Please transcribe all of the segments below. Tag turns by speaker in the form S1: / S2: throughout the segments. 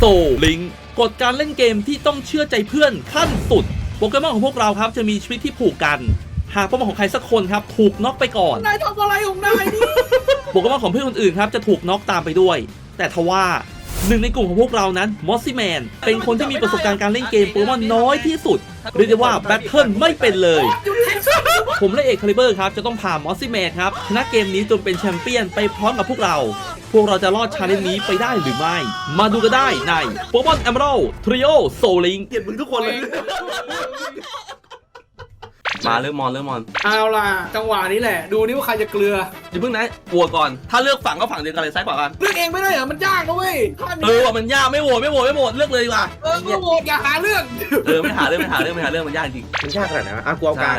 S1: Soul Link กฎการเล่นเกมที่ต้องเชื่อใจเพื่อนขั้นสุดโปเกมอนของพวกเราครับจะมีชีวิตที่ผูกกันหากโปเกมอนของใครสักคนครับถูกน็อกไปก่อน
S2: นายทำอะไรของนายนี่
S1: โปเกมอนของเพื่อนคนอื่นครับจะถูกน็อกตามไปด้วยแต่ทว่าหนึ่งในกลุ่มของพวกเรานั้นมอสซี่แมนเป็นคนที่มีประสบการณ์การเล่นเกมโปเกมอนน้อยที่สุดเรียกได้ว่าแบทเทิลไม่เป็นเลยผมและเอกคาลิเบอร์ครับจะต้องพามอสซี่แมนครับชนะเกมนี้จนเป็นแชมเปี้ยนไปพร้อมกับพวกเราจะรอดชาเลนจ์นี้ไปได้หรือไม่มาดูกันได้ในโปเกมอนเอเมอรัลด์ทริโอโซลิงเกลียดมึงทุกคนเลยมาเริ่มมอน
S2: เอาล่ะจังหวะนี้แหละดูนี่ว่าใครจะเกลือ
S1: อย่าเพิ่งนะกลัวก่อนถ้าเลือกฝั่งก็ฝั่งเดียวกันเลยซ้ายขวากัน
S2: เลือกเองไม่ได้เหรอมันยากนะเว้ย
S1: ว่ามันยากไม่โหวตเลือกเลยดีกว่า
S2: ไม่โหวตอย่าหาเรื่อง
S1: ไม่หาเรื่องมันยากจริง
S3: มันยากขนาดไหนวะกลัวกลาง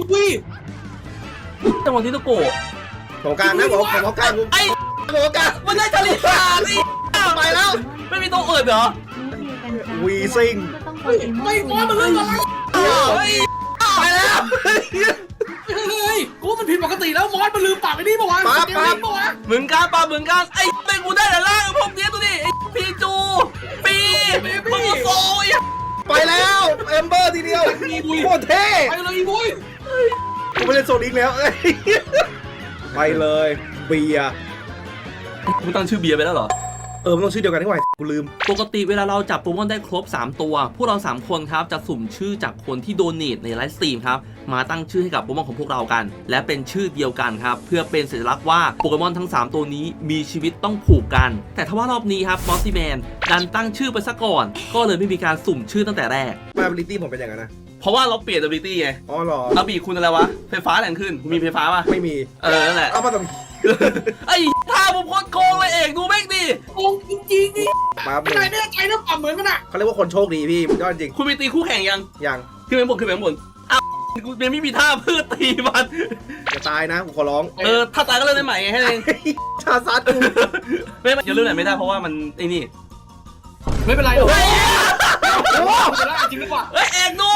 S1: จังหวะที่ตะโก
S3: ของกลางนะบอกของกลาง
S1: ไอ้ของกลางมันได้ชลิตาสิไปแล้วไม่มีตัวอื่นเหรอ
S3: วีซิง
S2: ไม่มอสมันเลย
S1: ไปแล้ว
S2: เฮ้ยกูมันผิดปกติแล้วมอสมันลืมปากไอ้นี่ปะวะ
S1: เหมือนกันไอ้เป็นกูได้แต่ล่างพวกนี้ตัวนี้ไอ้พีจูปีมึงโซ่
S3: ไปแล้วเอมเบอร์ทีเดียวโคตรเท่
S2: ไปเลยอีบุ้ย
S3: กูไม่เล่นโซนิกแล้วไปเลยเบียร์
S1: มึงตั้งชื่อเบียร์ไปแล้วเหรอ
S3: มันต้องชื่อเดียวกันที่ไหวกูลืม
S1: ปกติเวลาเราจับโปเกมอนได้ครบ3ตัวพวกเรา3คนครับจะสุ่มชื่อจากคนที่โดเนทในไลฟ์สตรีมครับมาตั้งชื่อให้กับโปเกมอนของพวกเรากันและเป็นชื่อเดียวกันครับเพื่อเป็นสัญลักษณ์ว่าโปเกมอนทั้ง3ตัวนี้มีชีวิตต้องผูกกันแต่ถ้าว่ารอบนี้ครับมอสซี่แมนดันตั้งชื่อไปซะก่อนก็เลยไม่มีการสุ่มชื่อตั้งแต่แรก
S3: ability ผมเป็นอย่างนั้นนะ
S1: เพราะว่าเราเปลี่ยน ability ไง
S3: อ๋อเหรอ
S1: เอาบีคุณอะไรวะไฟฟ้าแรงขึ้นมีไฟฟ้าป่ะ
S3: ไม่มี
S1: นั่นแหละ
S3: เอามาทำ
S1: ไอ้ท่าผมโคตรโกงเลยเอกดูแม่งดิ
S2: โกงจริงๆนี่ไม่ได้ใจนะปรับเหมือนกันอ่ะ
S3: เขาเรียกว่าคนโชคดีพี่ยอดจริง
S1: คุณมีตีคู่แข่งยังขึ้นไปบนอ้าวกูยังไม่มีท่าเพื่อตีมัน
S3: จะตายนะกูขอร้อง
S1: ถ้าตายก็เล่นได้ใหม่ไงให้เอง
S3: ชาซัดกู
S1: ไม่อย่าเล่นไหนไม่ได้เพราะว่ามันไอ้นี่
S2: ไม่เป็นไรหรอกจริงดีกว่า
S1: เอกโง่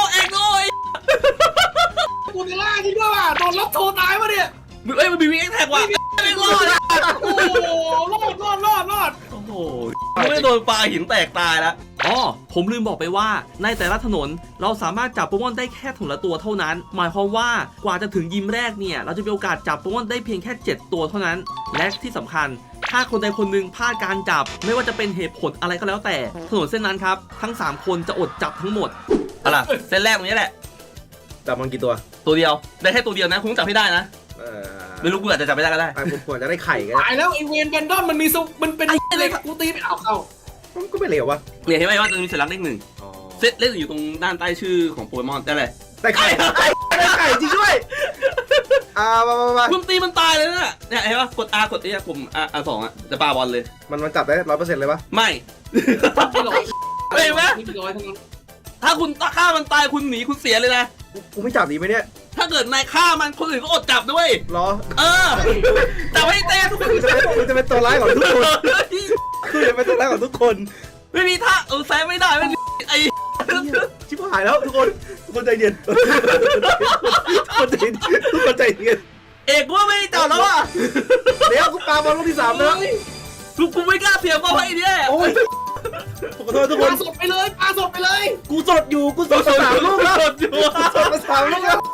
S2: กูจะล่าจริงด้วยว่ะโดนล็อกโทรตายมาเนี่ย
S1: มันมีวิ่งแท็กว่ะไม่รอด
S2: โอ้รอด
S1: โอ้โหไม่โดนปลาหินแตกตายแล้วผมลืมบอกไปว่าในแต่ละถนนเราสามารถจับโปเกมอนได้แค่ถนนละตัวเท่านั้นหมายความว่ากว่าจะถึงยิมแรกเนี่ยเราจะมีโอกาสจับโปเกมอนได้เพียงแค่7ตัวเท่านั้นและที่สำคัญถ้าคนใดคนหนึ่งพลาดการจับไม่ว่าจะเป็นเหตุผลอะไรก็แล้วแต่ถนนเส้นนั้นครับทั้ง3คนจะอดจับทั้งหมดอะไรเส้นแรกตรงนี้แหละ
S3: จับมันกี่ตัว
S1: เดียวได้แค่ตัวเดียวนะคุณจับให้ได้นะไม่รู้กูอาจจะจับไม่ได้ก็ได้
S3: ผมควรจะได้ไข่กัน
S2: ตายแล้วไอเวนแบนดอนมันมีมันเป็นอะไรกูตีไม่เข้า
S3: ก็ไม่เหลววะ
S1: เนี่ยเห็นไหมว่าจะมีสัญลักษณ์เลข1เลขอยู่ตรงด้านใต้ชื่อของโปเกมอนได้เลย
S3: ได้ไข่จริงด้วย
S1: มาคุณตีมันตายเลยนะเนี่ยเห็นป่ะกด R กดกลุ่ม R2 จะปาบอลเลย
S3: มันจับได้ 100% เลยปะ
S1: ไม่เห็นไหมถ้าคุณฆ่ามันตายคุณหนีคุณเสียเลยนะ
S3: กูไม่จับดีไหมเนี่ย
S1: ถ้าเกิดนายฆ่ามันคนอื่นก็อดจับด้วย
S3: หรอ
S1: จับให้เต้ทุกคน
S3: จะเป็นตัวร้ายของทุกคนคือจะเป็นตัวร้ายของทุกคน
S1: ไม่มีท่าแซงไม่ได้ไม่ไอ
S3: ชิบหายแล้วทุกคนใจเย็นทุกคนใจเย็น
S1: เอกว่าไม่จับแล้วอ่ะ
S3: เดี๋ยวกูปาบอลลูกที่3แล้ว
S1: กูไม่กล้าเสียบอลให้เนี่ย
S3: โอ้ยขอโทษทุกคน
S2: ปาสดไปเลย
S3: กูสดอยู่กูสด3 ลูกแล้ว3 ลูกแล้ว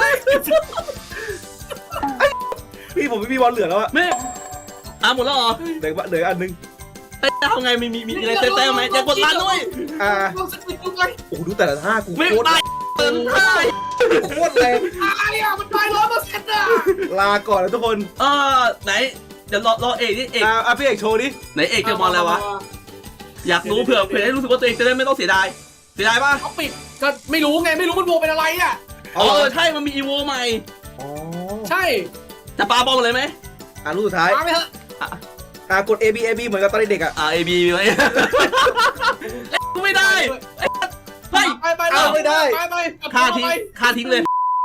S3: พี่ผมไม่มีบอลเหลือแล้วอะ
S1: ไม่หมดแล้วเหรอ
S3: เหลืออันนึง
S1: ทำไงมีอะไรเต้ไหมอย่ากดลันด้วย
S3: โอ้ดูแต่ละท่ากู
S1: โคตรท่า
S3: โคตรแรง
S2: มันตาย100%อ่ะ
S3: ลาก่อนนะทุกคน
S1: ไหนเดี๋ยวรอเอกนี่เอก
S3: พี่เอกโชว์ดิ
S1: ไหนเอกจะมองอะไรวะอยากรู้เผื่อให้รู้สึกว่าตัวเองจะได้ไม่ต้องเสียดายป่ะ
S2: เขาปิดก็ไม่รู้ไงไม่รู้มันโวเป็นอะไรอ่ะ
S1: ใช่มันมีอีโวใหม่
S2: ใช่
S1: จะปาบอลเลยไหม
S3: ลูกสุดท้าย
S2: ปาไปเถอะ
S3: กด A B เหมือนกับตอนเด็กอ่ะ
S1: A B ไหมกูไม่ได้
S2: ไป
S3: ไม่ได้
S1: ฆ่าทิ้งเลย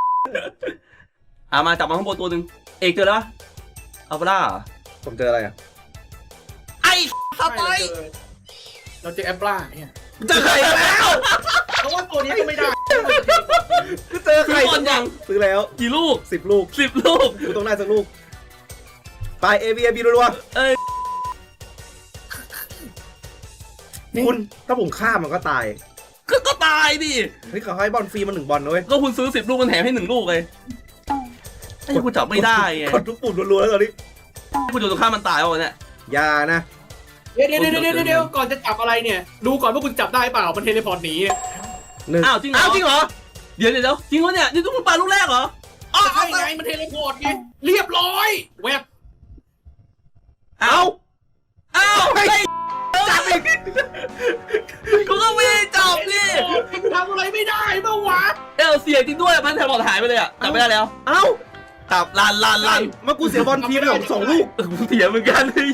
S1: มาจับมาข้างบนตัวหนึ่งเอกเจอแล้วเอาไปล่า
S3: ผมเจออะไรอ่ะ
S1: ไอ้สไตล์
S2: เราเจอแอปปลาเนี่ย
S1: เจอไข่แล้ว
S2: เพราะว่าตัวนี้ก็ไม่ได้
S3: ก็เจอไข่
S1: ยัง
S3: ซื้อแล้ว
S1: กี่ลูก
S3: 10 ลูกกูต้องได้สักลูกไป A B รัวคุณถ้าผมฆ่ามันก็ตาย
S1: ก็ตายดิ
S3: นี่เขาให้บอลฟรีมา1 บอลนะเว้ย
S1: ก็คุณซื้อ10 ลูกมันแถมให้1 ลูกเลยไอ้กูจับไม่ได้ไง
S3: กดทุกปุ่มรัวๆแล้วตอนนี้
S1: กูจะฆ่ามันตายวะเนี่ย
S3: อย่านะ
S2: เดี๋ยวก่อนจะจับอะไรเนี่ย ดูก่อนว่าคุณจับได้เปล่ามันเทเลพอร์ตหนี
S1: อ้าวจริงเหรอเดี๋ยวจริงวะเนี่ยนี่ต้องปาลูกแรกเหรออ้าว
S2: ใช่ไงมันเทเลพอร์ตไงเรียบร้อยแวบ
S1: อ้าวไอ้จับอีกกูก็ไม่ได้จับดิ
S2: ทำอะไรไม่ได้เมื่อวาน
S1: เสียจริงด้วยมันแถมบอลหายไปเลยอ่ะจับไม่ได้แล้ว
S3: เอ้า
S1: จับลัน
S3: เมื่อกูเสียบอลทีไป2 ลูก
S1: กูเสียเหมือนกันเลย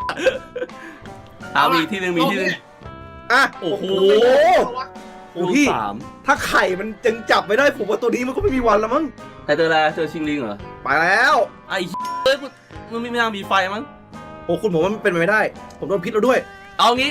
S1: เอาอีกทีหนึ่ง
S3: อ่ะ
S1: โอ้โห
S3: โอ้พี่
S1: 3
S3: ถ้าไข่มันยังจับไม่ได้ผมว่าตัวนี้มันก็ไม่มีวันแล้วมั้ง
S1: แต่เจออะไรเจอชิงลิงเหรอ
S3: ไปแล้ว
S1: ไอ้เอ้ยมันไม่น่ามีไฟมั้ง
S3: โอ้คุณผมว่ามันเป็นไปไม่ได้ ผมโดนพิษแล้วด้วย
S1: เอางี้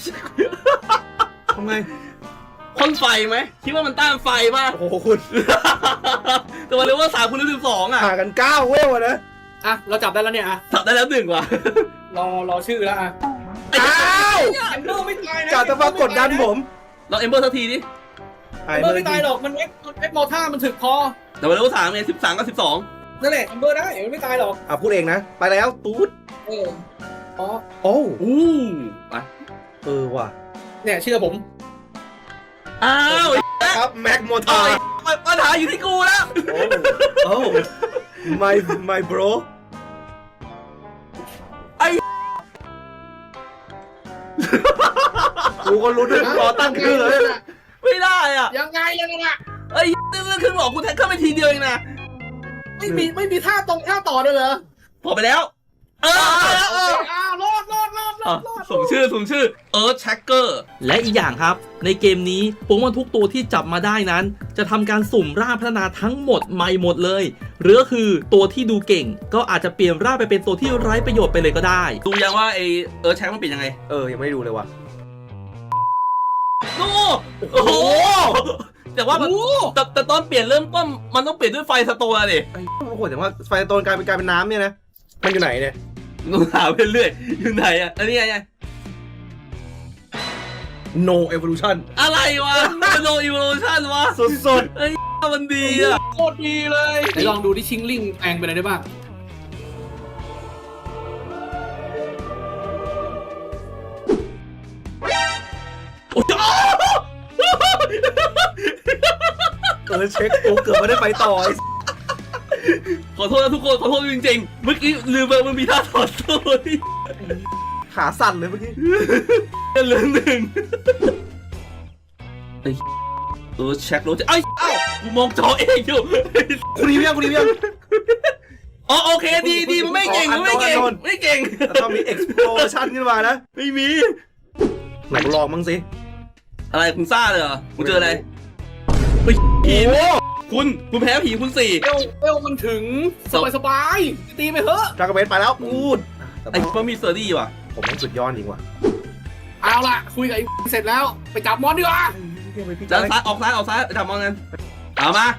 S3: ทำไง
S1: พ่นไฟไหมคิดว่ามันต้านไฟป่ะ
S3: โอ้โหคุณ
S1: แต่มาเรียกว่า3 คูณ 12อ่ะ
S3: ห่างกัน9 เว้ยนะ
S2: อ่ะเราจับได้แล้วเนี่ยอ่ะ
S1: จับได้แล้ว1 ว่ะ
S2: รอชื่อแล้วอ่ะ
S3: อ้าว
S2: แอมเบอร์ไม่ตายนะ
S3: กาจะมากดดันผม
S1: เราเอมเบอร์สักทีดิ
S2: แอมเบอร์ไม่ตายหรอกมันเอ็กมอท่ามันถึกพอ
S1: แต่มาเรียกว่า3ไง13 กับ
S2: นั่นแหละแอมเบอร์ได้มันไม่ตายหรอก
S3: อ่ะพูดเองนะ ไปแล้วตูด
S2: อ๋อ
S3: โอ้
S1: 12อู้ไป
S3: ว่ะ
S2: เนี่ยเชื่อผม
S1: อ้าว
S3: ครับแม็กโมทา
S1: ปัญหาอยู่ที่กูแล้ว
S3: โอ้ my bro กูก็รู้ด้วยรอตั้งชื่อเลย
S1: ไม่ได้อ่ะ
S2: ยังไงอ่ะ
S1: เอ้ยเรื่องครึ่งหลอกกูแทงเข้าไปทีเดียวเองนะ
S2: ไม่มีท่าตรงท่าต่อด้วยเหรอ
S1: พอไปแล้ว
S2: รอด
S1: ส่งชื่อEarth Tracker และอีกอย่างครับในเกมนี้โปเกมอนทุกตัวที่จับมาได้นั้น จะทำการสุ่มร่างพัฒนาทั้งหมดใหม่หมดเลยหรือคือตัวที่ดูเก่งก็อาจจะเปลี่ยนร่างไปเป็นตัวที่ไร้ประโยชน์ไปเลยก็ได้ดูยังว่าไอEarth Tracker มันเปลี่ยนยังไง
S3: ยังไม่ได้ดูเลยว่ะ
S1: โอ้โหแต่ว่าแต่ตอนเปลี่ยนเริ่มต้นมันต้องเปลี่ยนด้วยไฟสโตนดิ
S3: ไอ้โอ้โหแต่ว่าไฟโตนกลายเป็นน้ำเนี่ยนะ มันอยู่ไหนเนี่ย
S1: ต้องหาไปเรื่อยอยู่ไหนอ่ะอันนี้ไง
S3: no evolution
S1: อะไรวะ No Evolution วะ
S3: สุด
S1: ไอ้มันดีอ่ะ
S2: โคตรดีเลยไหนลองดูที่ชิงลิงแปลงไปไหนได้บ้าง
S3: เช็คกูเกือบไม่ได้ไปต่อ
S1: ขอโทษนะทุกคนขอโทษจริงๆเมื่อกี้ลืมไปมันมีท่าถอดโซ่ที่
S3: ขาสั่นเลยเมื่อกี้
S1: เหลือ1เช็ครถไอ้เอ้ากูมองจอเองอยู่
S3: คุณรีวิวยัง
S1: อ๋อโอเคดีมันไม่เก่งไม่เก่ง
S3: แต่ต้องมี explosion ขึ้นมานะ
S1: ไม่มี
S3: ไหนกูลองมั้งสิ
S1: อะไรคุณซ่าเลยเหรอคุณเจออะไรผีคุณแพ้ผีคุณ4
S2: เอลมันถึงสบายตีไปเถอะ
S3: ดราก้าเบสไปแล้วพูด
S1: ไอ้มันมีเซอร์ดี้ว่ะ
S3: ผมมันสุดยอดจริงว่ะ
S2: เอาล่ะคุยกับไอ้เสร็จแล้วไปจับมอนดีกว่า
S1: ด้านซ้ายออกซ้ายจับมองกันเอามา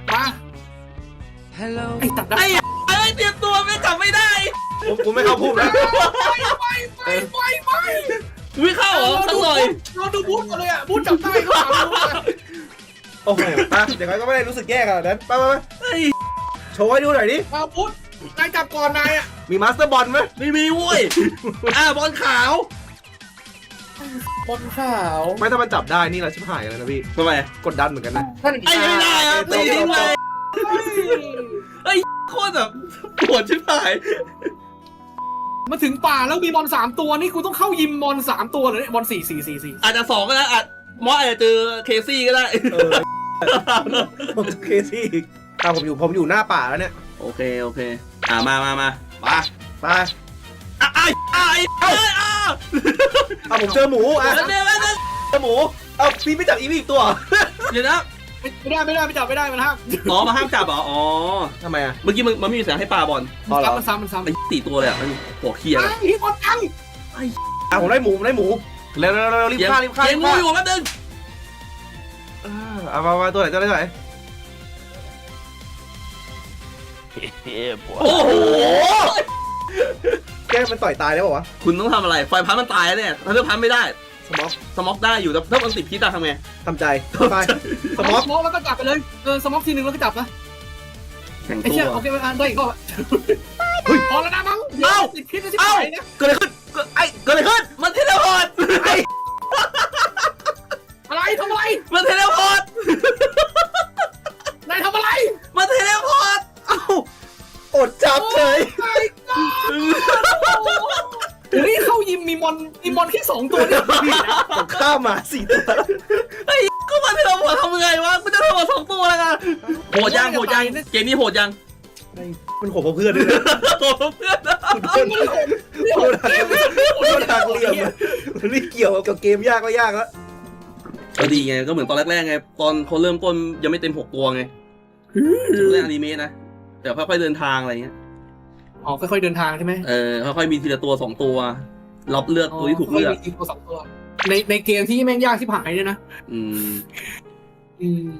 S2: ไอ้ตัดได้
S1: ไอ้เตรียมตัวไม่จับไม่ได้
S3: ผมไม่เข้าพูดแล้ว
S2: ไม่
S1: วิ่งเข้าเหรอสักหน่อย
S2: เราดูบูธก่อนเลยอ่ะบูธจับได้ก็ถามบูธ
S3: โอ้โหเดี๋ยวก็ไม่ได้รู้สึกแย่ขนาดนั้นไปโชว์ให้ดูหน่อยดิ
S2: เอาบูธนายจับก่อนนายอ่ะ
S3: มีมาสเตอร์บอลไหม
S1: ไม่มีเว้ยบอลขาว
S2: บอลขาว
S3: ไม่ถ้ามันจับได้นี่เราชิบหายแล้วนะพี่
S1: ทำไม
S3: กดดันเหมือนกันนะ
S2: ท่าน
S1: ไอ้ไม่ได้อะตีทิ้งเลยโคตรแบบปวดชิบหาย
S2: มาถึงป่าแล้วมีบอล3 ตัวนี่กูต้องเข้ายิมบอล3 ตัวเลยบอล4
S1: อาจจะ2ก็ได้มอสอาจจะเจอเคซี่ก็ได้
S3: ผมเคซี่อีกผมอยู่หน้าป่าแล้วเนี่ย
S1: โอเคมา
S3: ไปผมเจอหมูเจอหมูพี่ไม่จับอีกตัว
S1: เดี๋ยวนะ
S2: ไม่ได้ไปจับไม่ได้มันห้าม
S1: มาห้ามจับเหรออ๋อ
S3: ทำไมอ่ะ
S1: เมื่อกี้มันไม่มีเสียงให้ปลาบอล
S2: มันซ้ำ
S1: ไอ้4 ตัวเลยมันหัวเคียร์
S2: พี่บอลตั้ง
S3: ผมได้หมูเร็วรีบฆ่า
S1: เกมงูอยู่แป๊บนึง
S3: มาตัวไหน
S1: โอ้โห
S3: แกมันต่อยตายได้ป่าวะ
S1: คุณต้องทำอะไรไฟพันมันตายแล้วเนี่ยถ้าเลือกพันไม่ได้
S3: สม็อก
S4: ได้อยู่แต่ถ้ามันติดพิษอะทำไง
S3: ทำใจไปส
S2: ส
S3: ม็
S2: ม
S3: อ
S2: อก งแล้วก็จับไปเลยสมองทีนึงแล้วก็จับนะ
S4: แข่ง
S2: ไอ้
S4: ตั
S2: เชี่ยว โอเคไปได้อีกรอบพอแล้วนะมั้งติดพิษแล้วที่ไหนเนี่ย
S3: เกิดอะไรขึ้นเกิดอะไรขึ้น
S4: มันเทเลพอร์ต
S2: อะไรทำอะไร
S4: มันเทเลพอร์ต
S2: นายทำอะไร
S4: มันเทเลพอร์ต
S3: เอ้าอดจับเฉย
S2: นี่เข้ายิมมีมอนแค่2ตัวเนี่ย
S3: ผมข้ามมา4 ตัว
S4: ก็มันเทเลพอร์ตทำไงวะมันจะเทเลพอร์ต2 ตัวแล้วกันโหดยังเกมนี้โหดยัง
S3: มันโหดกว่าเพื่อนด้วยนะ
S4: โหดเพื่อนนะ
S3: โดนหักเหลี่ยมมันไม่เกี่ยวกับเกมยากก็ยากแล้ว
S4: ก็ดีไงก็เหมือนตอนแรกๆไงตอนเขาเริ่มต้นยังไม่เต็ม6 ตัวไงเล่นอนิเมะนะแต่ค่อยๆเดินทางอะไรเงี้ย
S2: อ๋อค่อยๆเดินทางใช่ไหม
S4: ค่อยๆมีทีละตัว2 ตัวรับเลือกตัวที่ถูกเลือก
S2: มีตัว2 ตัวในเกมที่แม่งยากที่ผ่านเนี่ยนะ
S4: อืม
S2: อืม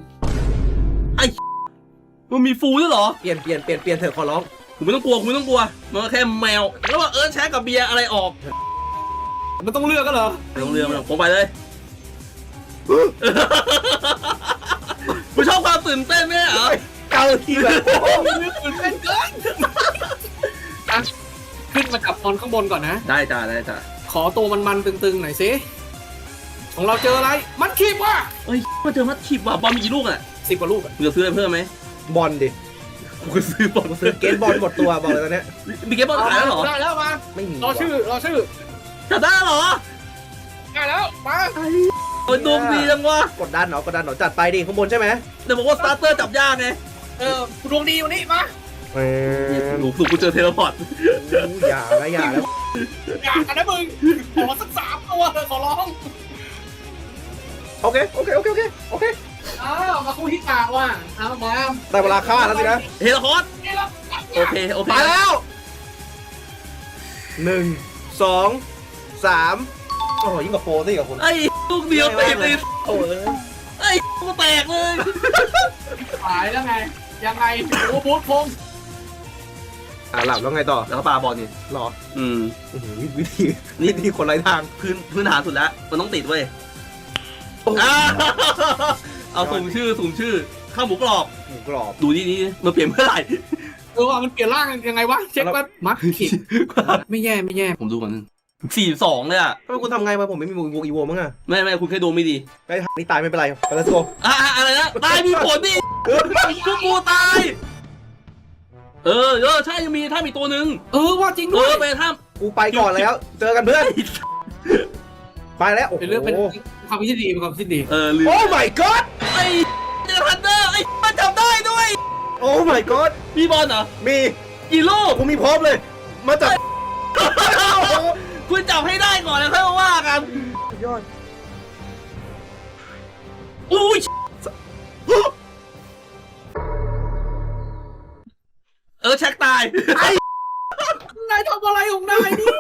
S4: มันมีฟูด้วยเหรอ
S3: เปลี่ยนเถอะขอร้อง
S4: คุณไม่ต้องกลัวมันก็แค่แมวแล้วว่าแชร์กับเบียร์อะไรออก
S2: มันต้องเลือกก็เหรอ
S4: ไม่ต้องเรือมันผมไปเลยคุณชอบความตื่นเต้นไหมเหรอ
S3: เกาทีแบบ
S2: เลือกตื่นเต้นเกินขึ้นมาจับมอนข้างบนก่อนนะ
S4: ได้จ้า
S2: ขอตัวมันตึงๆหน่อยสิของเราเจออะไรมันคีบว่ะ
S4: เฮ้ยมาเจอมัดขีบว่ะบอลมีกี่ลูกอ่ะ
S2: 10 กว่าลูกอะ
S4: มึงจะซื้ออะไรเพิ่มไหม
S3: บอลดิ
S4: กูซื้อบอล
S3: ซื้อเกมบอลหมดตัวบอกเลยตอนนี้
S4: มีเกมบอลขายแล้วเหรอ
S2: ได้แล้วมา
S3: ไม่มี
S2: รอชื่อ
S4: จัดได้เหรอ
S2: ได้แล้วมา
S4: โอ้ยดวงดีจังวะ
S3: กดดันเหรจัดไปดิข้างบนใช่ไหม
S4: แต่บอกว่าสตาร์เตอร์จับยากไง
S2: ดวงดีวันนี้มา
S4: หนูกูเจอเทเลพอร์ต
S3: อย่าแล้ว
S2: อยากกันนะมึงขอสัก3 ตัวขอร้อง
S3: โอเค
S2: มาคู่ที่กลางว่ะมา
S3: ได้เวลาฆ่าแล้วสินะ
S4: เทเลพอร์ต
S2: นี่เรา
S4: โอเค
S3: มาแล้ว1 2 3โอ้โหยิ่งกว่าโปรซะอีกกับคุณ
S4: ไอ้ลูกเดียวติด
S3: โอ้ย
S4: ไอ้กูแตกเลย
S2: ขายแล้วไงยังไงโอ้โหพง
S3: หลับแล้วไงต่อ
S4: แล้วก็ปาบอลนี่
S3: หรอ วิธีคนไร้ทาง
S4: พื้นฐานสุดแล้วมันต้องติดเว้ยเอาสุ่มชื่อข้าวหมูกรอบ
S3: หมูกรอบ
S4: ดูนี่มันเปลี่ยนเมื่อไหร่
S2: ว่ามันเปลี่ยนร่างยังไงวะเช็คว่ามัดขิดไม่แย่
S4: ผมดูก่อนนึง42เลยอ่ะ
S3: ทำไมคุณทำไงมาผมไม่มีวงอีโวมั้งอะ
S4: ไม่คุณแค่ดูไม่ดี
S3: ไอ้นี่ตายไม่เป็นไรไปแล้วโซ
S4: อะไรนะตายมีผลดิพวกกูตายใช่ยังมีถ้ามีตัวหนึ่ง
S2: ว่าจริงด้วย
S4: ไปถ้า
S3: กูไปก่อนแล้ว เจอกันเพื่อนไปแล้วโอ้โห
S2: เป็นเรื่องเป็นความคิดดีเป็นความคิดดี
S4: ลืม
S3: โอ้ my god
S4: ไอ้เจอทันเดอร์มันจับได้ด้วย
S3: โอ้ my god
S4: มีบอลเหรอ
S3: มี
S4: กี่ลูก
S3: กูมีพร้อมเลย มาจับ
S4: คุณจับให้ได้ก่อนแล้วค่อยมาว่ากัน
S3: ยอด
S4: อุ้ยแช็คตาย
S2: นายทำอะไรของนายนี่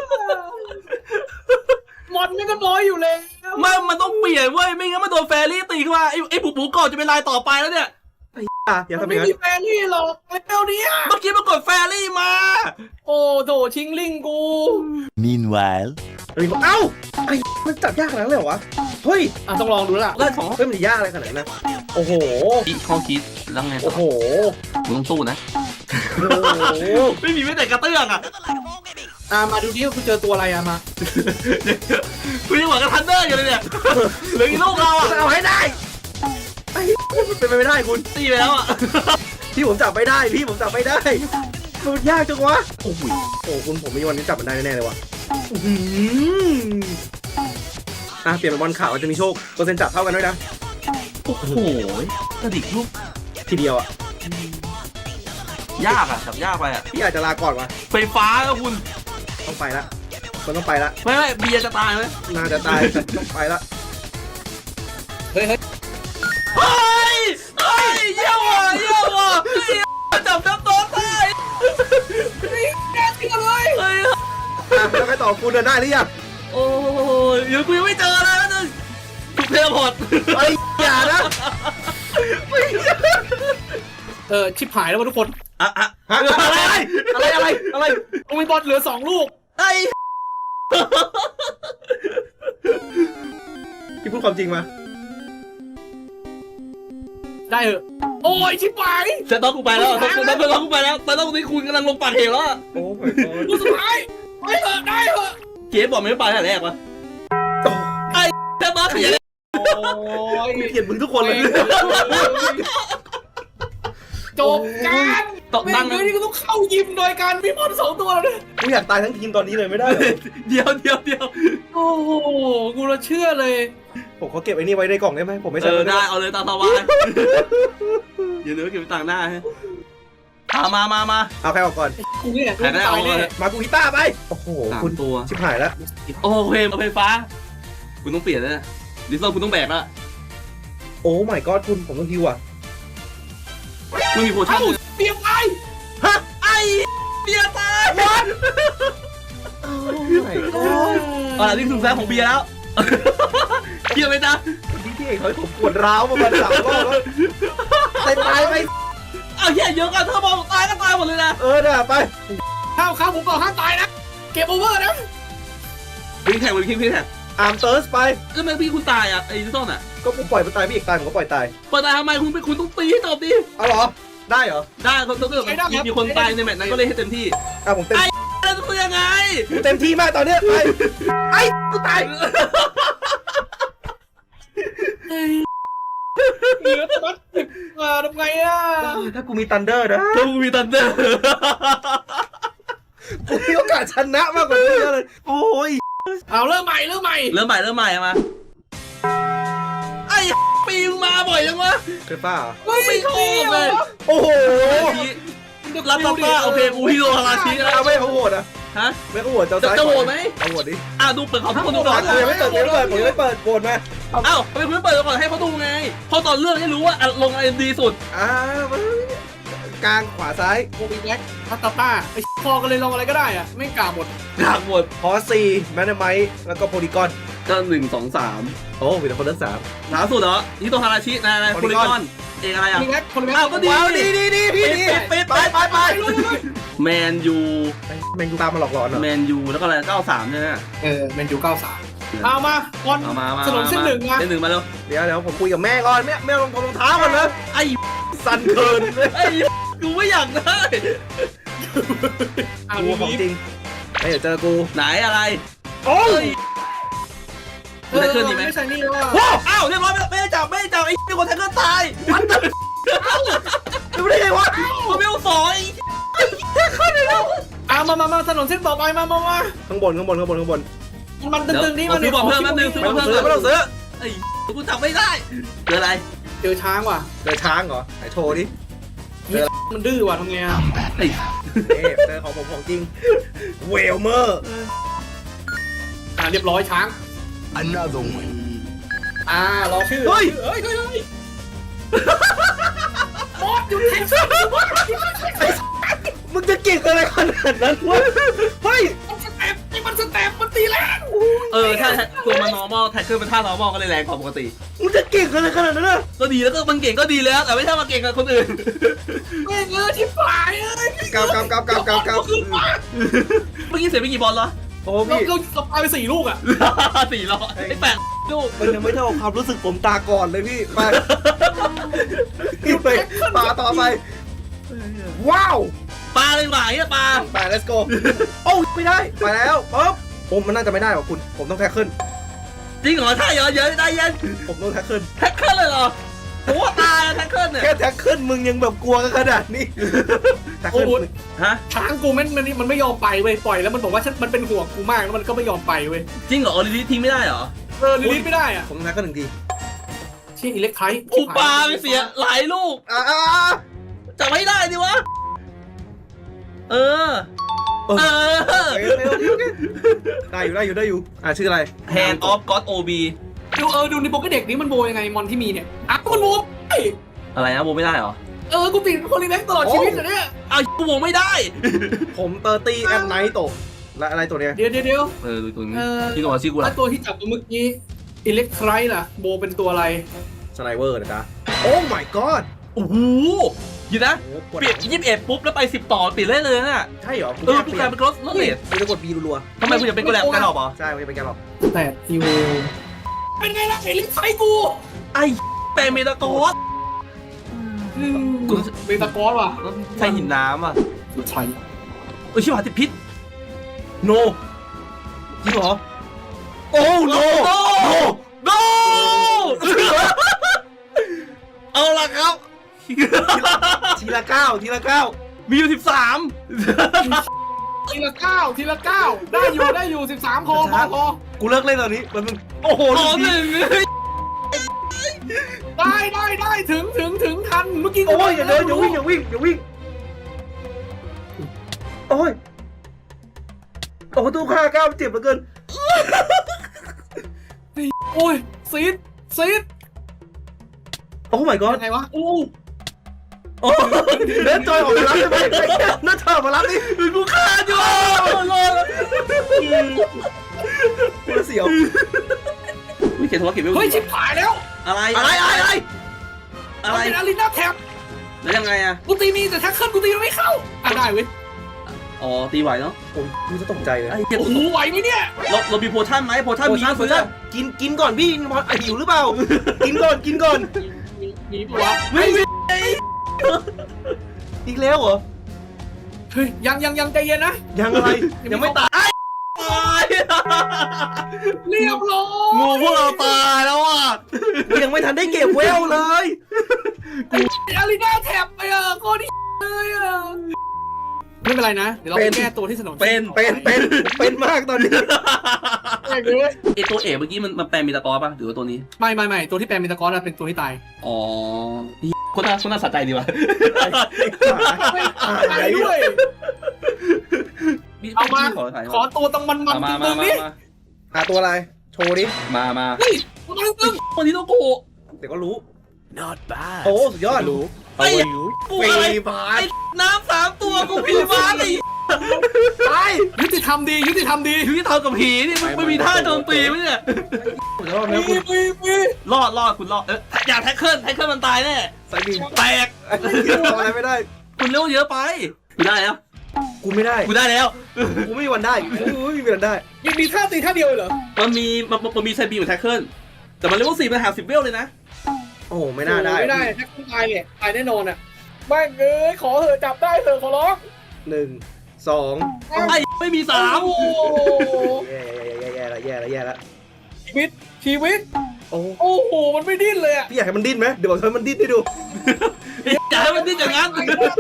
S2: มอนนี่ก็น้อยอยู่เลย
S4: มันต้องเปลี่ยนเว้ยไม่งั้นมันโดนแฟรี่ตีขึ้นมาไอ้ปูก่อนจะเป็นลายต่อไปแล้วเนี่ย
S3: อย่า
S2: มัน
S3: ทำอ
S2: ไม่
S3: ย่างนั้น
S2: มีแฟนนี่หรอกไอ้เปลวนี้
S4: เมื่อกี้มันกดแฟรี่มา
S2: โอ้โถชิงลิงกู
S5: Meanwhile.
S3: เอ้าไอ้มันจับยากขนาดนั้นเลยเหรอวะเฮ้ย
S2: ต้องลองดูแล้วล่ะ
S4: เลิกของ
S3: เฮ้ยมันจะยากอะไรขนาดนั้นนะโอ้โห
S4: ข้อคิดแล้วไง
S3: โอ้โห
S4: มึงต้องสู้นะ
S3: โอ้โห
S4: ไม่มีไม่แต่กระเตื้องอ่ะ
S2: มาดูดิว่าคุณเจอตัวอะไรมา
S4: คุณยังหวังกับทันเดอร์อยู่เลยเนี่ยเหลือกี่ลูกเราอ่ะ
S3: จะเอาให้ได้ไอ้มันเป็นไปไม่ได้คุณ
S4: ตีไปแล้วอ่ะ
S3: พี่ผมจับไม่ได้มันยากจังวะโอ้โหคุณผมมีวันนี้จับมันได้แน่ๆเลยว่ะเปลี่ยนเป็นบอลขาวจะมีโชคเปอร์เซ็นต์จับเท่ากันด้วยนะ
S4: โอ้โหกระดิกลูก
S3: ทีเดียวอ่ะ
S4: ยากอ่ะจับยากไปอ่ะ
S3: พี่อาจจะลาก่อนวะ
S4: ไฟฟ้าแล้วคุณ
S3: ต้องไปละมันต้องไปละ
S4: ไม่เบียร์จะตายไหม
S3: น่าจะตายแต่ต้องไปละ
S2: เฮ้ย
S4: เฮ้ยเยี่ยมว่ะจับน้ำโต๊ะได้
S2: แน่จริงเลย
S4: เฮ้ย
S3: แล้วใครต่อคุณเดินได้หรือยัง
S4: โอ้ยยังกูยังไม่เจอเลยนะนึงถูกเทเลพอร์ต
S3: ไอ้อย่านะ
S2: ชิบหายแล้วทุกคน
S3: อะไร
S2: ต้องมีบอลเหลือ2 ลูก
S4: ไอ้
S3: พี่พูดความจริงมา
S2: ได้เหอะโอ้ยชิบหาย
S4: จะต้องกูไปแล้วต้องกูไปแล้วแต่ต้องนี้คุณกำลังลงปากเหวแล้ว
S3: โอ้ my god
S2: กูสุดท้ายไปเถอะได้เหอะ
S4: เจ๊บอกไม่ไปแต่แรกวะจะมาขยัน
S2: โอ้ย
S3: เกลียดมึงทุกคนเลย
S2: จบการ
S4: ตก
S2: ไม่
S4: นั่ง
S2: งั้นนี่ก็ต้องเข้ายิมโดยการมีมอน2 ตัวเลย
S3: กูอยากตายทั้งทีมตอนนี้เลยไม่ได้เหรอ
S4: เดียว
S2: โอ้โหกูละเชื่อเลย
S3: ผมขอเก็บไอ้นี่ไว้ในกล่องได้ไหมผมไม่ใช่
S4: ได้เอาเลยตามสบายอย่าลืมเก็บต่างหน้าฮะมา
S3: เอาใครออกก่อน
S2: กูเนี่ย
S4: ใครได้เอา
S2: ตาย
S4: เล
S2: แน่
S4: ย
S3: มากูกีตาร์ไปโอ้โห
S4: 3
S3: คุณ
S4: ตัว
S3: ชิบหายแล้ว
S4: โอเคไฟฟ้าคุณต้องเปลี่ยนแล้วนะดิสโซคุณต้องแบกแล้ว
S3: โอ้ my god คุณผมต้องฮิวอ่ะ
S4: ไม่มีโพชั่น
S2: เอ้าเปลี่ยนไป
S4: ไอ้เบียร์ตาย
S3: โอ้ my god
S4: นี่ถึงแฟนของเบียร์แล้วเบียร์ไหมจ๊ะ
S3: พี่เอกเขาให้ผมปวดร้าวมา3 รอบแล้วตายไป
S4: เอาเหี้ยเยอะกันถ้าบอกตายก็ตายหมดเลยนะ
S3: น่ะไป
S2: ข้าวผมบอกห้ามตายนะเก็บโอเวอร์นะ
S4: วิ่งแท็ก
S3: อาร์มเติร์สไป
S4: ก็ไม่พี่คุณตายอ่ะไอ้ดิสโซนอ่ะ
S3: ก็กูปล่อยมันตายพี่เอกตายผมก็ปล่อยตาย
S4: เปิดตายทำไมคุณต้องตีให้จบดิ
S3: เอาเหรอได้เหรอ
S4: ได้เขาต้องมีคนตายในแมตช์นั้นก็เลยให้เต็มที่
S3: ผมเต็ม
S4: แล้วจะยังไง
S3: กูเต็มที่มากตอนเนี้ยไปไอ้กูตาย
S2: เหลือแต่มัดทำไงอ่ะ
S3: ถ้ากูมีตันเดอร์นะ
S4: ถ้ามึงมีตันเดอร์
S3: กูมีโอกาสชนะมากกว่านี้เยอะเลยโอ้ย
S2: เอาเริ่มใหม่
S4: เริ่มใหม่มาไอ้ปีมึงมาบ่อยจังวะ
S3: เคยป้า
S4: ไม่ชอบเลย
S3: โอ้โห
S4: รับป้าโอเคอูฮิโรฮาราชินะ
S3: เอาไม่เขาโหวตอ่ะ
S4: ฮะ
S3: ไม่เขาโหวตเจ้าซ้าย
S4: จะโหวตไหม
S3: เอาโหวตดิ
S4: ดูเปิดเขาทุกคนดูก่อน
S3: ผมยังไม่เปิดผมยังไม่เปิดโหวตมา
S4: อ้าวทำไมคุณไม่เปิดก่อนให้เขาดูไงพอตอนเลือกให้รู้ว่าลงอะไรดีสุด
S3: กลางขวาซ้าย
S2: โอบิแบ็กพัตตาไอ้พอกันเลยลองอะไรก็ได้อ่ะไม่กล่าวหมด
S4: กากหมด
S3: พอซีแมนไมท์แล้วก็โพลีกอน
S4: ก็1 2 3
S3: โอ้มีแต่คนเลือก3
S4: หนาสุดเหรอฮิโตฮาราชินายโพลิกอนเองอะไรอ่ะ
S2: มีแบ็กคนแบ็ก
S4: อ้าวก็ดี
S3: ว้าวดีพี่ดี
S4: ไปแมนยู
S3: แมงกูตามมาหลอกหลอนเหรอ
S4: แมนยูแล้วก็อะไร93ใช่ไหม
S2: แมนยู93เอามาบอล
S4: เอามา
S2: ถนนเส้นหนึ่งมา
S4: เส้นหนึ่งมาแล้ว
S3: เดี๋ยวผมคุยกับแม่ก่อนแม่ลงรองเท้าก่อนนะ
S4: ไอ้
S3: สั่นเกินเลย
S4: ไอ้กูไม่อยากได้
S2: เอา
S3: กู
S2: ดี
S3: ของจริงเดี๋ยวเจอกู
S4: ไหนอะไร
S3: โอ้ย
S4: ได้เคลื่อนดีไหม
S2: ไม่ใช่นี่ว่า
S3: ว้าว
S4: อ้าวเรียบร้อยไม่ได้จับไอ้มีคนแทงก็ตาย
S3: ดูได้ไงวะ
S4: มันไม่เอาสอย
S2: เอามาถนนเส้นต่อไปมา
S3: ข้างบน
S2: มันตึงๆนี่มัน
S4: ซื้อบอลเพิ่มแป๊บนึงซื้อบอลเพิ่ม
S3: ไม่ต้องซื้อ
S4: ไอ้กูจับไม่ได้เจออะไร
S2: เจอช้างว่ะ
S3: เจอช้างเหรอไหนโชว์ดิ
S2: มันดื้อว่ะทำไงอ่ะ
S4: ไอ้
S3: เจอของผมของจริงเวลเมอร์
S2: เรียบร้อยช้าง
S5: Another one.
S2: รอชื่อ
S3: เฮ้ย
S2: บอสหยุดแท็กซี่บอส
S3: มึงจะเก่งอะไรขนาดนั้นวะเฮ้ย
S2: มันสเต็ปมันตีแรง
S4: ถ้าตัวมัน normal แท็กเกอร์เป็นท่า normal ก็เลยแรงกว่าปกติ
S3: มึงจะเก่งอะไรขนาดนั้นนะ
S4: ก็ดีแล้วก็มันเก่งก็ดีแล้วแต่ไม่ใช่มาเก่งกับคนอื่น
S2: แม่งที่ฝ่ายเอ้ย
S3: กาว
S4: เมื่อกี้เสียไปกี่บอลเหรอ
S3: โอ้
S2: เรา
S3: พี่
S2: เราปาไป4 ลูกอ่ะ
S4: 400ไอ้8ลูก
S3: มันยังไม่เท่าความรู้สึกผมตาก่อนเลยพี่ไปไปปาต่อไปว้าว
S4: ปลาเลยหว่าไอ้ปลา
S3: ไป let's go โอ้ไม่ได้ไปแล้วปั๊บผมมันน่าจะไม่ได้หรอกคุณผมต้องแท็กขึ้น
S4: จริงเหรอถ้าเยอะได้เย็น
S3: ผมต้องแท็กขึ้น
S4: แท็กเกิลเลยเหรอโอ้ตายแท็กเกิลเนี่ย
S3: แค่แท็กขึ้นมึงยังแบบกลัวกันขนาดนี้แท็กขึ้น
S4: ฮะ
S2: ช้างกูมันไม่ยอมไปเว้ยปล่อยแล้วมันบอกว่ามันเป็นห่วงกูมากแล้วมันก็ไม่ยอมไปเว้ย
S4: จริงเหรอออริจิทิ้งไม่ได้เหรอ
S2: ลิลิทไม่ได้อ่ะ
S3: ผมแท็กขึ้น1 ที
S2: ชื่ออิเล็กไทร์
S4: อุปาไปเสียหลายลูก จะไม่ได้ดิวะ
S3: ได้อยู่ชื่ออะไร
S4: Hand of God OB
S2: ดูในโปรแกรมเด็กนี้มันโบยังไงมอนที่มีเนี่ยมันโบ
S4: อะไรนะโบไม่ได้เหรอ
S2: กูติดโพลีแบ็กตลอดชีวิตเลยเนี่ย
S4: กูโบไม่ได้
S3: ผมเตอร์ตี้แอมไนท์ตกและอะไรตัวเนี้ย
S2: เดี๋ยว
S4: ดูตัวนี้ที่ตัวชื่อกู
S2: แล้
S4: ละ
S2: วตัวที่จับเมื่อกี้อิเล็กไทร์ล่ะโบเป็นตัวอะไร
S3: สไนเวอร์นะจ๊ะโอ้ my god
S4: โอ้โห
S1: หยุดนะ
S3: โอ้โหกด
S1: เปลี่ยน21ปุ๊บแล้วไป10ต่อเปลี่ยนได้เลยน่ะ
S3: ใช่เหรอ
S1: กูกลายเป็นรถเลส
S3: กูจะกด B รัว
S1: ทำไมคุณอยากเป็นกระแลบกันหรอปะ
S3: ๆใช่กูจะเป็นแกหรอก
S2: แต่อีโวเป็นไงล่ะไอ้ลิ้นไส้กู
S1: ไอ้แปลงเมตาโกส
S2: กูเบตาคอสว่ะ
S1: ใช่หินน้ำอ่ะ
S2: ใช่
S1: ชิบหายติดพิษ
S3: โนจริงเหรอโอ้โน
S1: โนเอาล่ะครับ
S3: ทีละก้าวทีละก้าว
S1: มีอยู่13
S2: ทีละ9ทีละ9ได้อยู่13พอ
S3: กูเลิกเล่นตอนนี้มันโอ้โห
S1: ต่อหนึ่ง
S2: ได้ถึงทันเมื่อกี้
S3: โอ้ยอย่าเดินอย่าวิ่งอย่าวิ่งอย่าวิ่งโอ้ยโอ้ตู้ค่าก้าวเจ็บเหลือเกิน
S2: โอ้ยซีด
S3: โอ้ my god
S2: ยังไงวะ
S1: โอ้
S3: โอ้เดินจอยออกมารับได้ไหมน่าจอยออกมารับดิ
S1: กูฆ่าอยู่
S3: กูเสียว
S1: ไม่เขียนธุรกิจไม่
S2: เฮ้ยชิบหายแล้ว
S1: อะไร
S3: อะไร
S2: มันเป็นอารีนาแท็บ
S1: แล้วยังไงอะ
S2: กูตีมีแต่แท็กเกิลกูตีมันไม่เข้าได้เว้ย
S1: อ๋อตีไหวเนาะ
S3: โอ้ยกูจะตกใจเลย
S1: ไอ้เจ็บ
S2: โอ้โหไหวไหมเนี่ย
S1: เรามีโพชั่นไหมโพชั่นมี
S3: โอ้ยกินก่อนพี่หิวหรือเปล่ากินก่อน
S2: มีปะวะ
S1: ไม่มี
S3: อีกแล้วเหรอ
S2: เฮ้ยยังใจเย็นนะ
S3: ยังอะไรยังไม่ตาย
S1: ตาย
S2: เรียบร้อย
S1: งูพวกเราตายแล้วอ่ะ
S3: ยังไม่ทันได้เก็บเวลเลย
S2: อารีนาแท็บไปโคตรเลยไม่เป็นไรนะเดี๋ยวเราไปแก้ตัวที่ถนน
S3: เป็นมากตอนนี้
S2: แก้เลย
S1: ไอตัวเอกเมื่อกี้มันแปลงมีตะกอป่ะหรือว่าตัวนี้
S2: ไม่ตัวที่แปลงมิตากอนเป็นตัวที่ตาย
S1: อ๋อคนน่าสะใจดีว่ะ
S2: ตายด้วย เอามา ขอตัวต้องมัน
S1: มา
S2: ตึงๆนี่
S3: หาตัวอะไรโชว์ดิ
S1: มา
S2: เฮ้ยตึง
S1: คนนี้ต้องโก
S3: เดี๋ยวก็รู้
S5: Not bad.
S3: โอ้สุดยอดรู้
S1: ไอ้กูอะไรไอ้น้ำ3 ตัวกูผีบ้าไอ้
S3: ไป
S2: ยุติธรรมดี
S1: อยู่ที่เท่ากับผีนี่มึงไม่มีท่าโจมตีมั้ยเนี่ย
S3: สุดยอดนะคุณ
S1: รอดคุณรอดอย่าแท็กเกิลมันตายแน่
S3: สายบิน
S1: แตก
S3: ทำอะไรไม่ได้
S1: คุณเร็วเยอะไปกูได้แล้ว
S3: กูไม่ได้
S1: กูได้แล้ว
S3: กูไม่มีวันได้กูไม่มีวันได้
S2: มีท่าตีท่าเดียวเหรอ
S1: มันมีไซบีเหมือนแท็กเกิลแต่มันเลเวล4มันหา10 เวลเลยนะ
S3: โอ้ไม่น่าได้
S2: ไม่ได้แท็กตายเนี่ยตายแน่นอนอ่ะไม่เอ้ยขอเถอะจับได้เถอะขอร้อง
S3: 1 2
S1: ไอ้ไม่มี
S2: โอ้โห
S3: แย่ละ
S2: ชีวิต
S3: โอ้
S2: โอ้โหมันไม่ดิ้นเลยอ่ะ
S3: พี่อยากให้มันดิ้นไหมเดี๋ยวบอกให้มันดิ้นให้ดู
S1: 3อย่าให้มันดิ้นอย่างนั้น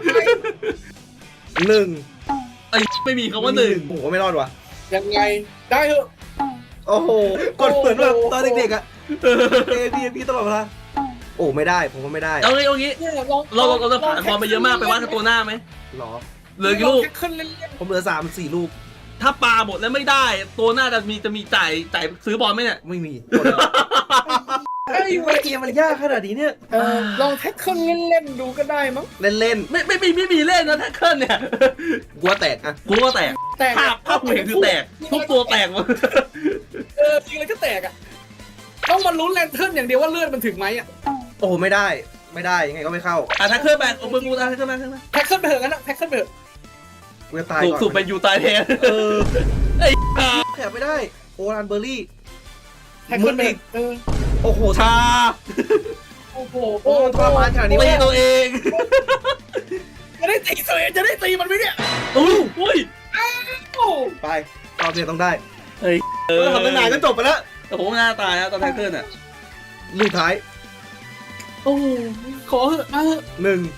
S3: 1
S1: ไอ้ไม่มีคำว่า1
S3: โอ้โหไม่รอดว่ะ
S2: ยังไงได้เถอะ
S3: โอ้โหกดเหมือนแบบตอนเด็กๆอ่ะพี่ตลอดเวลาโอ้ไม่ได้ผมก็ไม่ได้
S1: เอางี้
S2: เนี่ย
S1: เราจะผ่านความไปเยอะมากไปว่ากันตัวหน้าไหม
S3: หรอ
S1: เหลือกี่ลูก
S2: แท็กขึ้นเล่น
S3: ผมเหลือ3-4 ลูก
S1: ถ้าปลาหมดแล้วไม่ได้ ตัวหน้าจะมีจ่ายซื้อบอลไหมเนี่ย
S3: ไม่มี
S2: ๆไอ้เว้ย
S3: เกมมันยากขนาดนี้เนี่ย
S2: ลองแท็กขึ้นเล่นๆดูก็ได้มั้ง
S3: เล่น
S1: ไม่มีเล่นนะแท็กเกิลเนี่ย
S3: ๆกลัวแตกอ่ะ
S1: กูก็แตก
S2: แต่
S1: ภาพกูเห็นคือแตกทุกตัวแตกหมด
S2: จริงเลยก็แตกอ่ะต้องมาลุ้นแลนเทิร์นอย่างเดียวว่าเลือดมันถึงไหมอ่ะ
S3: โอ้ไม่ได้ยังไงก็ไม่เข้า
S1: แท็กเกิลแบนโอ้มึงกูแท็กเกิลมา
S2: แท็กขึ้นไปเถอะงั้นนะแท็กขึ้นไปเถอะ
S3: กูจะตาย
S1: ถูก
S3: ก่อน
S1: สุดเป็นยูตายแทน ไอ้
S3: แถบไม่ได้โอรันเบอร์รี่
S2: แท็กขึ้นไป
S3: โอ้โห
S1: ชา
S2: โอ้โห
S3: โอ้ทรมานขนาดนี้
S1: ตี
S3: วะ
S1: ตัวเอง
S2: จะได้ตีตัวเองจะได้ตีมันไหมเนี่ย
S1: อุ้ย
S2: โอ้
S3: ไปรอบนี้ต้องได้
S1: เออ
S3: ทำตั้งนานก็จบไปแล้ว
S1: แต่ผมหน้าตายนะตอนแท็กเกิลอ่ะ
S3: ลูกท้าย
S2: โอ้ขอเถอะมาเถอะ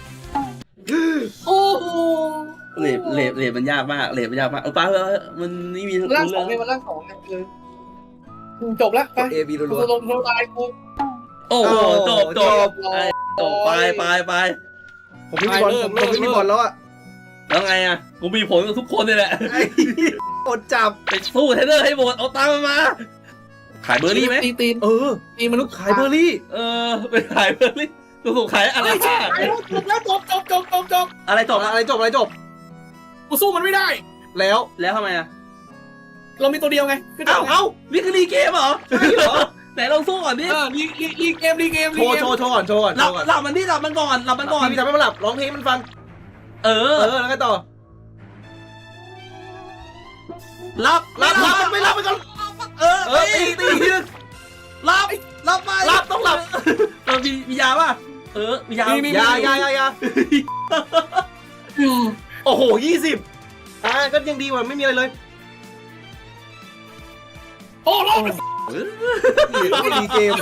S3: 1
S2: โอ้โห
S1: เลทมันยากมากเลทมันยากมากป้ามันนี่มี
S2: ร่างสองเลยมันร่างสองเลยจบแล้วไป
S3: กด A B รั
S2: กู
S3: ว
S2: ลงโทรตายกู
S1: โอ้โหจบ
S3: จบ
S1: ไป
S3: ๆผมไม่มีบอลผมไม่มีบอลแล้วอ่ะ
S1: แล้วไงอ่ะกูมีผลกับทุกคนเลยแหละ
S3: ไอ้อดจับ
S1: ไปสู้เทรนเนอร์ให้หมดเอาตังค์มาขายเบอร์รี่ไหม
S2: ตี
S3: ตีมนุษย์ขายเบอร์รี่
S1: ไปขายเบอร์รี่ถูกขายอะไร
S2: ไม่ใช่จบแล้วจบ
S1: อะไรจบ
S3: อะไรจบ
S2: กูสู้มันไม่ได้
S3: แล้ว
S1: แล้วทำไมอ่ะ
S2: เรามีตัวเดียวไง
S1: เอ้านี่คือรีเกมเหรอใช่เหรอใน
S4: แต่ลองสู้ก่อนดิ
S2: ลีเกม
S3: โชว์ก่อน
S4: หลับมันดิหลับมันก่อนหลับมันก่อน
S3: พี่ทำให้มันหลับร้องเพลงมันฟัง
S4: เออ
S3: แล้วก็ต่อ
S4: หลับ
S3: ไม่หลับไปก่อน
S4: เออ
S3: ตีทีนึง
S4: หลับไป
S3: หลับต้องหลับ
S4: มียาป่ะมียา
S3: ยาโอ้โห20ก็ยังดีกว่าไม่มีอะไรเลย
S2: โอ้รอด
S3: ดีเกม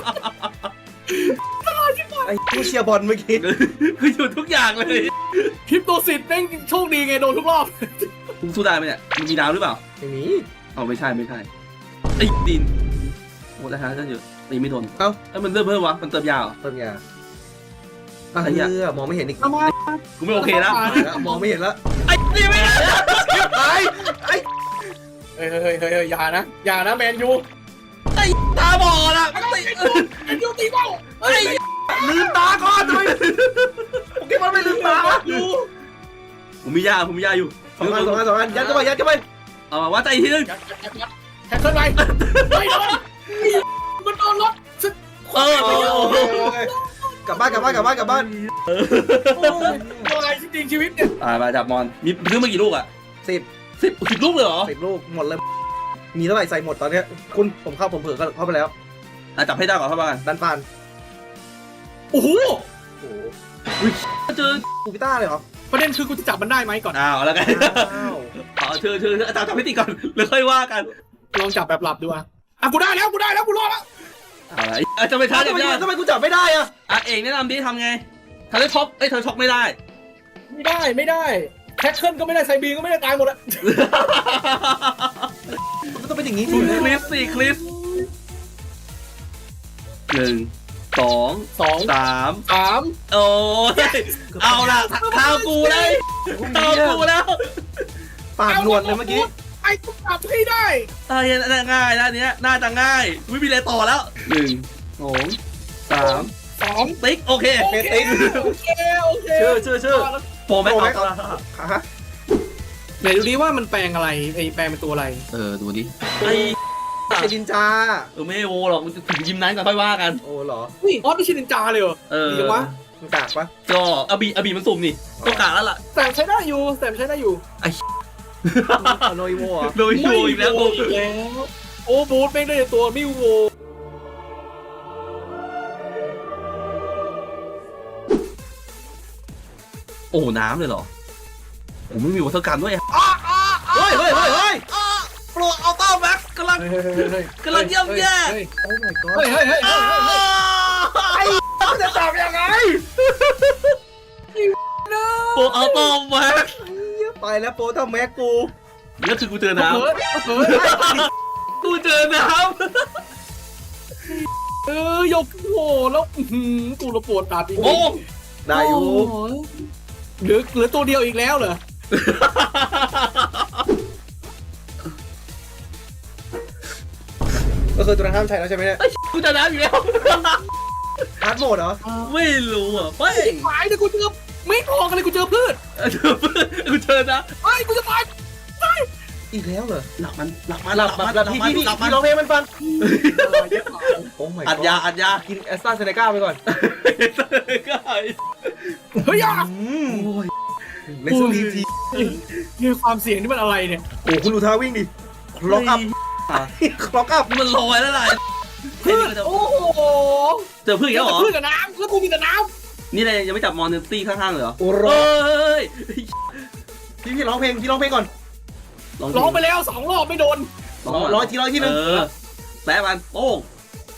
S3: ไอ้ผู้เชียร์บอลเมื่อกี้
S4: คือหยุดทุกอย่างเลย
S2: คริปโตซิตแม่งโชคดีไงโดนทุกรอบ
S4: คุณสู้ได้ไหมเนี่ยมันมีน้ำหรือเปล่า
S3: ไม่มี
S4: อ๋อไม่ใช่ไอ้ดินโอ้แล้วฮะก็อยู่ตีไม่โดน
S3: เอ้า
S4: แล้วมันเริ่มเพิ่มวะมันเติมยาว
S3: ต้นยา
S4: ไอ้เหี้ย
S3: มองไม่เห็นอีก
S2: ทำไม
S4: กูไม่โอเคแล้ว
S3: มองไม่เห็นแล้ว
S4: ไอ้นี่ไม่ได้
S3: ไอ้
S2: เฮ้ยอย่านะแมนยู
S4: ไอ้ตาบอดอ่ะ
S2: แมนยูตีเป้า
S4: ไอ้
S3: ลืมตาก่อนทำไมโอเคมันไม่ลืมตา
S4: ผมมียาอยู่
S3: สองอันยัดเข้าไป
S4: เอามาว่าใจอีกทีนึง
S2: แข่งขึ้นไปไม่โดนมันโดนรถ
S3: กลับบ้าน
S2: อะไรจริงชีวิตเนี่ย
S4: มาจับมอนมีซื้อมากี่ลูกอ่ะ 10ลูกเลยเหรอ
S3: 10 ลูกหมดเลยมีเท่าไหร่ใส่หมดตอนเนี้ยคุณผมเผื่อเข้าไปแล้ว
S4: จับให้ได้ก่อนเข้าบ้าน
S3: ดันปาน
S2: โอ้โห
S3: โอ้โห
S4: เจอ
S3: กูพิต้าเลยเหรอ
S2: ประเด็นคือกูจะจับมันได้ไหมก่อน
S4: แล้วกันเชิญจับให้ตีก่อนแล้วค่อยว่ากัน
S2: ลองจับแบบหลับดูอ่ะกูได้แล้วกูรอดแล้ว
S4: อะไรจะไปท้าจับยาก
S3: ทำไมกูจับไม่ได้อะ
S4: เองแนะนำดิทำไงทำได้ช็อกเธอช็อกไม่ได้
S2: ไม่ได้แท็กเกิลก็ไม่ได้ไซบีก็ไม่ได้ตายหมดอะ
S3: มันต้องเป็นอย่างนี้
S4: ค
S3: สิ
S4: ลิป1 2
S2: 2
S4: 3
S2: 3
S4: โอ้ยเอาล่ะข้าวกูเลยข้าวกูแล้ว
S3: ปากหนวดเลยเมื่อกี้
S2: ไอ้กูจับให้ได้
S4: น่าง่ายนะเนี้ยน่าจะง่ายไม่มีอะไรต่อแล้ว1 2 3
S2: 2
S4: ติ๊กโอเค
S2: โอเค
S3: ชื่อ
S4: โปรแม็ก
S3: ฮะ
S2: ไหนดูดิว่ามันแปลงอะไรไอ้แปลงเป็นตัวอะไร
S4: ดูดิไอ้
S3: ไอ้ดินจา
S4: ไม่โอหรอกถึงยิมนั้นก่อนค่อยว่ากัน
S3: โอ้เหรอ
S2: นี่ออสไม่ใช่นินจาเลยเหรอดีจังวะ
S3: มันกากปะ
S4: ก็อบีมันสุ่มนี่ต้องกะแล้วล่ะ
S2: แต่ใช้ได้อยู่
S3: โนอิโวเหรอ
S4: โดยโชว์อีกแล้ว
S2: อีกแล้วโอ้บูทแม่งได้ตัวมิวโว
S4: โอ้น้ำเลยเหรอผมไม่มีวัตถุกรรมด้วย
S3: เฮ้ย
S4: โปรอัลต้าแม็กกำลังเยี่ยมแย่
S3: โอ้ my god
S2: เฮ้ย
S3: จะจับยังไง
S4: โปรอัลต้าแม็ก
S3: ไปแล้วโปรทำแม็กกู
S4: นี่คือกูเจอน้
S2: เฮ้ย
S4: ำกูเจอน้
S2: ยกโหแล้วกูระปวดตาดี
S4: ำโอ้
S3: ได้อยู่
S2: เหลือตัวเดียวอีกแล้วเหรอ
S3: ก็คือตัวนั้นห้ามใช้แล้วใช่ไหมเนี่ย
S4: กูเจอน้ำอยู่แล้ว
S3: ฮาร์ดโหมดเหรอ
S4: ไม่รู้อ่ะเฮ้ย
S2: หายเลยกูเจอไม่พอกันเลยกูเจอพืช
S4: กูเจอนะ
S2: เฮ้ยกูจะตาย
S3: อีกแล้วเหรอ
S4: หลับมัน
S3: หลับที่ร้องเพลงมันฟังโอ้ my god
S4: อัดยา
S3: กินแอสตราเซเนกาไปก่อน
S2: เฮ้ยอ่ะ
S3: เลสตีที
S2: นี่ความเสี่ยงนี่มันอะไรเนี่ย
S3: โอ้คุณดูท่าวิ่งดิคล็อกอัพคล็อกอัพ
S4: มันลอยแล้วล่ะ
S2: พืชโอ้โห
S4: เจอพึ่งแล้วเหรอ
S2: พืชกับน้ำแล้วกูมีแต่น้
S4: นี่เลยยังไม่จับมอนเนตี้ข้างๆเลยเหรอ
S3: โอ้ร
S4: เฮ้ย
S3: พี่ร้องเพลงก่อน
S2: ำร้องไปแล้ว2 รอบไม่โดน
S3: ร้อยทีนึง
S4: แปะมันโป้ง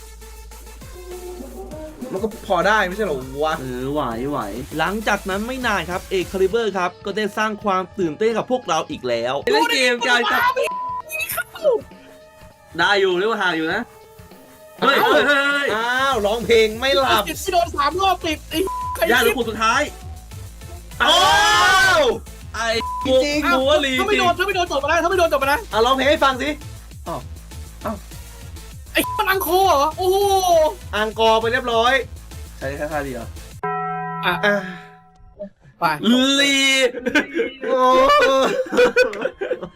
S3: มันก็พอได้ไม่ใช่หรอวะ
S4: ไหว
S1: หลังจากนั้นไม่นานครับเอกคาลิเบอร์ครับก็ได้สร้างความตื่นเต้นกับพวกเราอีกแล้ว
S4: เล่นเกมการจับได้อยู่เรียกว่าห่างอยู่นะเฮ้ย
S3: อ้าวร้องเพลงไม่หลับ
S2: ที่โดน3 รอบติดไอ้ใคร
S4: ยากหรือ
S2: คิด
S4: คนสุดท้าย
S3: อ้าว
S4: ไอ้
S3: จริง
S4: กูว่าลี
S2: ถ้าไม่โดนจบมานะ
S3: ร้องเพลงให้ฟังสิ
S2: ไอ้มันอังโคเหรอโอ้โห
S3: อังกอร์ไปเรียบร้อย
S4: ใช้แค่ท่าเดียว
S3: อ่ะ
S2: ไป
S4: ลี
S3: โอ้